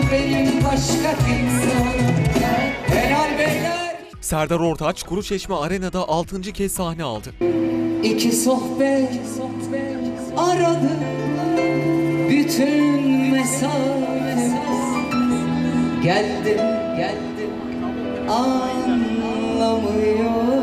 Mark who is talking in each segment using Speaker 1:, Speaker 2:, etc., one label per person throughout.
Speaker 1: benim başka kimsem. Helal beyler.
Speaker 2: Serdar Ortaç, Kuruçeşme Arena'da 6. kez sahne aldı.
Speaker 1: İki sohbet aradı bütün mesafemiz. Geldim anlamıyor.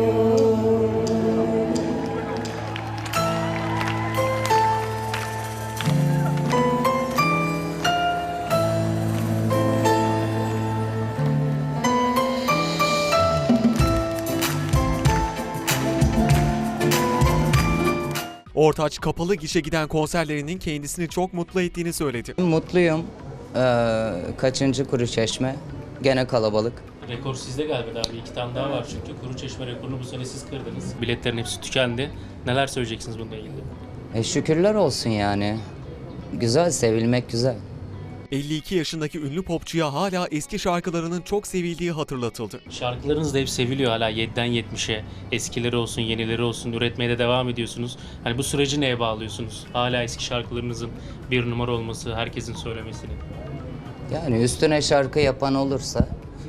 Speaker 2: Ortaç, kapalı gişe giden konserlerinin kendisini çok mutlu ettiğini söyledi.
Speaker 3: Mutluyum. Kaçıncı Kuruçeşme? Gene kalabalık.
Speaker 4: Rekor sizde galiba abi. 2 tane daha var çünkü. Kuruçeşme rekorunu bu sene siz kırdınız. Biletlerin hepsi tükendi. Neler söyleyeceksiniz bununla ilgili?
Speaker 3: Şükürler olsun yani. Güzel, sevilmek güzel.
Speaker 2: 52 yaşındaki ünlü popçuya hala eski şarkılarının çok sevildiği hatırlatıldı.
Speaker 4: Şarkılarınız da hep seviliyor hala 7'den 70'e. Eskileri olsun, yenileri olsun. Üretmeye de devam ediyorsunuz. Hani bu süreci neye bağlıyorsunuz? Hala eski şarkılarınızın bir numara olması, herkesin söylemesini.
Speaker 3: Yani üstüne şarkı yapan olursa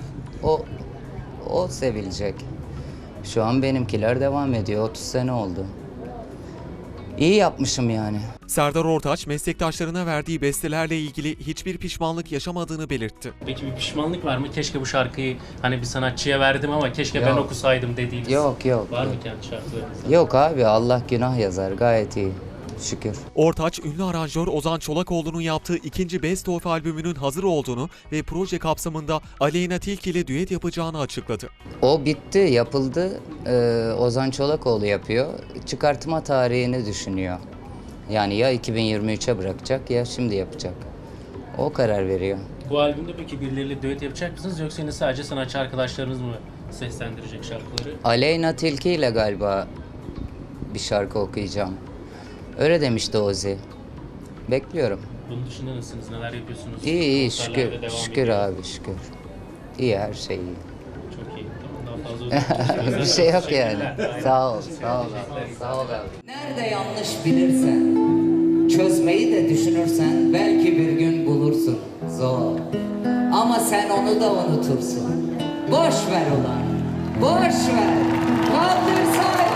Speaker 3: o sevilecek. Şu an benimkiler devam ediyor. 30 sene oldu. İyi yapmışım yani.
Speaker 2: Serdar Ortaç, meslektaşlarına verdiği bestelerle ilgili hiçbir pişmanlık yaşamadığını belirtti.
Speaker 4: Peki bir pişmanlık var mı? Keşke bu şarkıyı hani bir sanatçıya verdim ama keşke ben okusaydım dediğiniz.
Speaker 3: Yok.
Speaker 4: Var mı kendi şarkılarınızda?
Speaker 3: Yok abi, Allah günah yazar. Gayet iyi. Şükür.
Speaker 2: Ortaç, ünlü aranjör Ozan Çolakoğlu'nun yaptığı ikinci Best Of albümünün hazır olduğunu ve proje kapsamında Aleyna Tilki ile düet yapacağını açıkladı.
Speaker 3: O bitti, yapıldı. Ozan Çolakoğlu yapıyor. Çıkartma tarihini düşünüyor. Yani ya 2023'e bırakacak ya şimdi yapacak. O karar veriyor.
Speaker 4: Bu albümde peki birileriyle düet yapacak mısınız yoksa yine sadece sanatçı arkadaşlarınız mı seslendirecek şarkıları?
Speaker 3: Aleyna Tilki ile galiba bir şarkı okuyacağım. Öyle demişti Ozi. Bekliyorum.
Speaker 4: Bunun dışında nasılsınız? Neler yapıyorsunuz?
Speaker 3: İyi
Speaker 4: Konserlerde
Speaker 3: şükür.
Speaker 4: devam
Speaker 3: Şükür
Speaker 4: ediyor.
Speaker 3: abi şükür. İyi, her şey iyi.
Speaker 4: Çok iyi. Tamam, daha fazla uzatmayacağız.
Speaker 3: Bir şey yok yani.
Speaker 4: Teşekkürler.
Speaker 3: Sağ ol abi. Sağ ol abi.
Speaker 1: Nerede yanlış bilirsen, çözmeyi de düşünürsen belki bir gün bulursun. Zor. Ama sen onu da unutursun. Boş ver ulan. Boş ver. Kaldır sahip.